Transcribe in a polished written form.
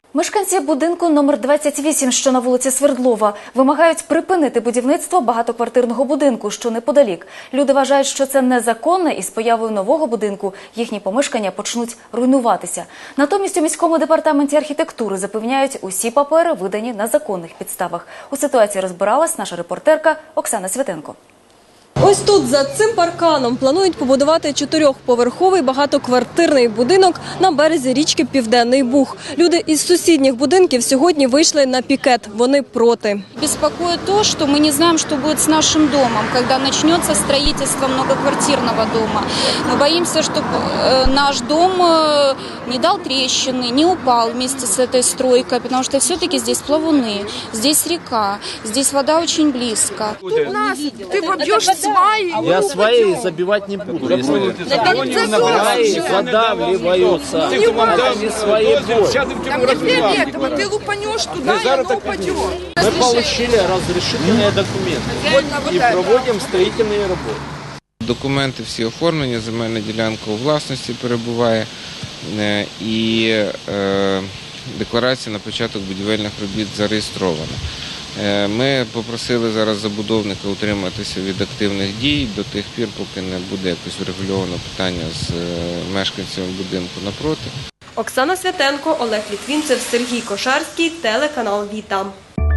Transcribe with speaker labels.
Speaker 1: Мешканці будинку номер 28, що на вулиці Свердлова, вимагають припинити будівництво багатоквартирного будинку, що неподалік. Люди вважають, що це незаконне, і з появою нового будинку їхні помешкання почнуть руйнуватися. Натомість у міському департаменті архітектури запевняють, усі папери видані на законних підставах. У ситуації розбиралась наша репортерка Оксана Святенко.
Speaker 2: Ось тут, за цим парканом, планують побудувати 4-поверховий багатоквартирний будинок на березі річки Південний Буг. Люди із сусідніх будинків сьогодні вийшли на пікет. Вони проти.
Speaker 3: Беспокоит то, что мы не знаем, что будет с нашим домом, когда начнется строительство многоквартирного дома. Мы боимся, что наш дом не дал трещины, не упал вместе с этой стройкой, потому что все-таки здесь плавуны, здесь река, здесь вода очень близко.
Speaker 4: Тут нас, ты побьешь свои.
Speaker 5: Я свои забивать не буду. Если задавливаются, это не свои бои.
Speaker 4: Там не фиолетово, ты лупанешь туда, и оно упадет.
Speaker 5: Мы получили разрешительные документы и проводим строительные работы.
Speaker 6: Документи всі оформлені, земельна ділянка у власності перебуває і декларація на початок будівельних робіт зареєстрована. Ми попросили зараз забудовника утриматися від активних дій до тих пір, поки не буде якось врегульовано питання з мешканцями будинку напроти.
Speaker 2: Оксана Святенко, Олег Літвінцев, Сергій Кошарський, телеканал «Віта».